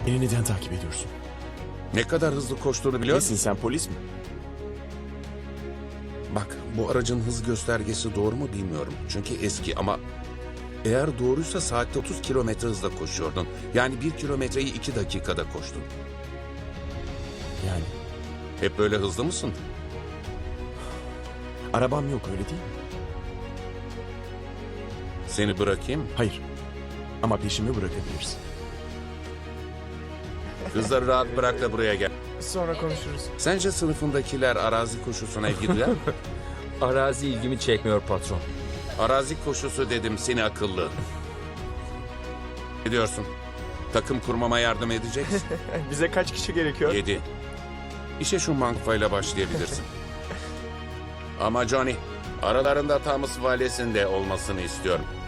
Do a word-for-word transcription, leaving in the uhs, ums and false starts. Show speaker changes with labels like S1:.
S1: Beni neden takip ediyorsun?
S2: Ne kadar hızlı koştuğunu biliyor
S1: Nesin
S2: musun?
S1: sen, polis mi?
S2: Bak, bu aracın hız göstergesi doğru mu bilmiyorum. Çünkü eski ama eğer doğruysa saatte otuz kilometre hızla koşuyordun. Yani bir kilometreyi iki dakikada koştun.
S1: Yani
S2: Hep böyle hızlı mısın?
S1: arabam yok, öyle değil mi?
S2: Seni bırakayım mı?
S1: Hayır. Ama peşimi bırakabilirsin.
S2: Kızları rahat bırak da buraya gel.
S3: Sonra konuşuruz.
S2: Sence sınıfındakiler arazi koşusuna ilgi duyar mı?
S4: Arazi ilgimi çekmiyor patron.
S2: Arazi koşusu dedim seni akıllı. Ne diyorsun? Takım kurmama yardım edeceksin.
S3: Bize kaç kişi gerekiyor?
S2: Yedi. İşe şu mankfayla başlayabilirsin. Ama Johnny, aralarında Thomas Vales'in de olmasını istiyorum.